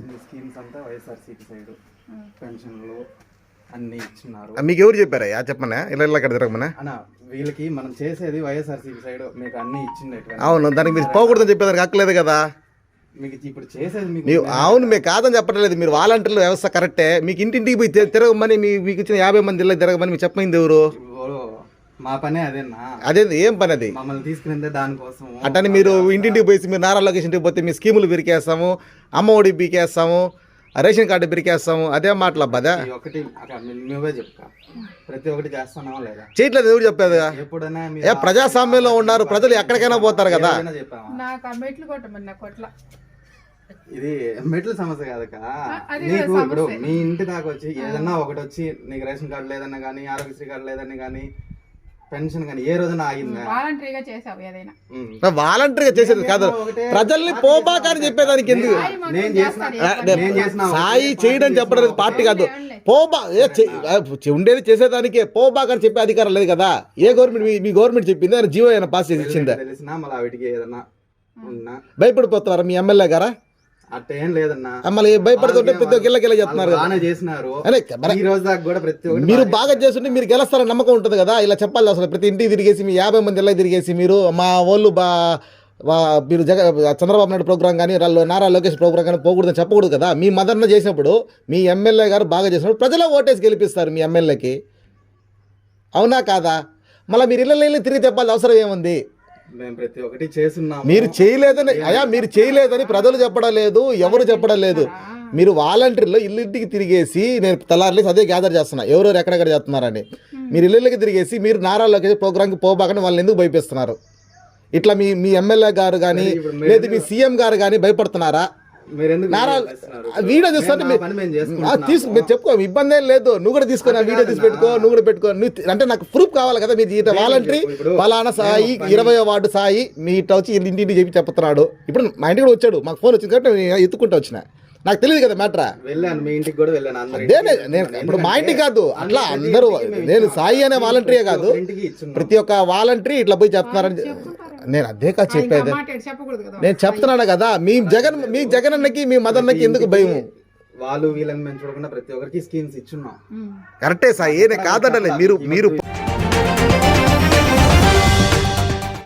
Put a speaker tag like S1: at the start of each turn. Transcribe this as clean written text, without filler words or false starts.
S1: ఇచ్చింది స్కీమ్స్ అంతా వైఎస్ఆర్సీపీ సైడ్ పెన్షన్లు అన్ని ఇచ్చినారు.
S2: మీకు ఎవరు చెప్పారా చెప్పమన్నా ఇలా ఇలా అక్కడ తిరగమన్నా
S1: అన్న వీళ్ళకి మనం చేసేది వైఎస్ఆర్సీపీ సైడ్ మీకు అన్ని ఇచ్చింది.
S2: అవును, దానికి మీరు పోకూడదని చెప్పేదానికి హక్కలేదు కదా
S1: మీకు ఇప్పుడు చేసేది
S2: మీకు. అవును, మీకు కాదని చెప్పట్లేదు. మీరు వాలంటీర్ల వ్యవస్థ కరెక్టే. మీకు ఇంటింటికి పోయి తిరగమని మీకు ఇచ్చిన 50 మంది ఇళ్ళకి తిరగమని మీకు చెప్పమైంది ఎవరు?
S1: మా పనే అదేనా?
S2: అదే ఏం పని అది?
S1: మమ్మల్ని తీసుకునే దానికోసం
S2: అట్టని మీరు ఇంటింటికి పోయి మీరు నారా లోకేష్ ఇంటికి పోతే మీ స్కీములు బిరికేస్తాము, అమ్మ ఒడి బీకేస్తాము, రేషన్ కార్డు బిరికేస్తాము, అదే మాటలు అబ్బాదా?
S1: ఒకటి నువ్వే చెప్తా, ప్రతి ఒక్కటి చేస్తున్నావా లేదా?
S2: చేయట్లేదు ఎవరు చెప్పేది? ఎప్పుడైనా ప్రజాస్వామ్యంలో ఉన్నారు, ప్రజలు ఎక్కడికైనా పోతారు కదా.
S1: ఇది మెట్ల సమస్య కాదక్క. నీకు ఇప్పుడు మీ ఇంటి దాకా వచ్చి ఏదన్నా ఒకటి వచ్చి నీకు రేషన్ కార్డు లేదన్నా కానీ, ఆరోగ్యశ్రీ కార్డు లేదన్నా కానీ, పెన్షన్ కానీ ఏ రోజున ఆగిందా?
S3: వాలంటరీగా చేసావు ఏదైనా?
S2: వాలంటరీగా చేసేది కాదు, ప్రజల్ని పోబాక అని చెప్పేదానికి ఎందుకు? సాయి చేయడం చెప్పడం పార్టీ కాదు. పోబా ఉండేది చేసేదానికే, పోబాక అని చెప్పే అధికారం లేదు కదా. ఏ గవర్నమెంట్ మీ గవర్నమెంట్ చెప్పింది? ఆయన జీవో అయినా పాస్ చేసి ఇచ్చిందా?
S1: తెలిసినా మళ్ళీ వాటికి ఏదన్నా
S2: భయపడిపోతున్నారా మీ ఎమ్మెల్యే గారా?
S1: అట్టేం లేదన్నా,
S2: మళ్ళీ భయపడుతుంటే ప్రతి ఒక్క గిల్ల చెప్తున్నారు. మీరు బాగా చేస్తుంటే మీరు గెలుస్తారని నమ్మకం ఉంటుంది కదా. ఇలా చెప్పాలి అసలు. ప్రతి ఇంటికి తిరిగేసి మీ 50 మంది ఇళ్ళకి తిరిగేసి మీరు మా వాళ్ళు మీరు చంద్రబాబు నాయుడు ప్రోగ్రామ్ కానీ నారా లోకేష్ ప్రోగ్రామ్ కానీ పోకూడదని చెప్పకూడదు కదా. మీ మదర్న చేసినప్పుడు మీ ఎమ్మెల్యే గారు బాగా చేసినప్పుడు ప్రజలే ఓటేసి గెలిపిస్తారు మీ ఎమ్మెల్యేకి. అవునా కాదా? మళ్ళీ మీరు ఇళ్ళ తిరిగి చెప్పాల్సిన అవసరం ఏముంది?
S1: ప్రతి ఒక్కటి చేస్తున్నాము.
S2: మీరు చేయలేదని మీరు చేయలేదని ప్రజలు చెప్పడం లేదు, ఎవరు చెప్పడం లేదు. మీరు వాలంటీర్లో ఇల్లుంటికి తిరిగేసి, నేను తెల్లారలేసి అదే గ్యాదర్ చేస్తున్నా ఎవరెవరు ఎక్కడెక్కడ చేస్తున్నారని. మీరు ఇళ్ళకి తిరిగేసి మీరు నారా లోకేష్ ప్రోగ్రామ్కి పోబాకని వాళ్ళని ఎందుకు భయపిస్తున్నారు? ఇట్లా మీ ఎమ్మెల్యే గారు కానీ లేదు మీ సీఎం గారు కానీ భయపడుతున్నారా? వీడియో చూస్తుంటే మీరు చెప్పుకో, ఇబ్బంది ఏం లేదు. నువ్వు కూడా తీసుకొని వీడియో తీసి పెట్టుకో, నువ్వు కూడా పెట్టుకో. అంటే నాకు ప్రూఫ్ కావాలి కదా. మీరు వాలంటరీ ఫలానా సాయి 20వ వార్డు సాయి మీ ఇట్లా వచ్చి ఇంటింటి చెప్పి చెప్తున్నాడు. ఇప్పుడు మా ఇంటికి కూడా వచ్చాడు, మాకు ఫోన్ వచ్చింది కాబట్టి నేను ఎత్తుకుంటూ వచ్చిన. నాకు తెలియదు కదా మ్యాటరా. నేను ఇప్పుడు మా ఇంటికి కాదు, అట్లా అందరూ నేను సాయి అనే వాలంటరీయే కాదు, ప్రతి ఒక్క వాలంటరీ ఇట్లా పోయి చెప్తున్నారని నేను అదే కాదు చెప్పేది. నేను చెప్తున్నాను కదా, మీ జగన్ అన్నకి మీ మదన్నకి ఎందుకు భయం?
S1: వాళ్ళు వీళ్ళని మేము చూడకుండా ప్రతి ఒక్కరికి స్కీమ్స్ ఇచ్చున్నాం.
S2: కరెక్టే సాయి, నేను కాదనలే. మీరు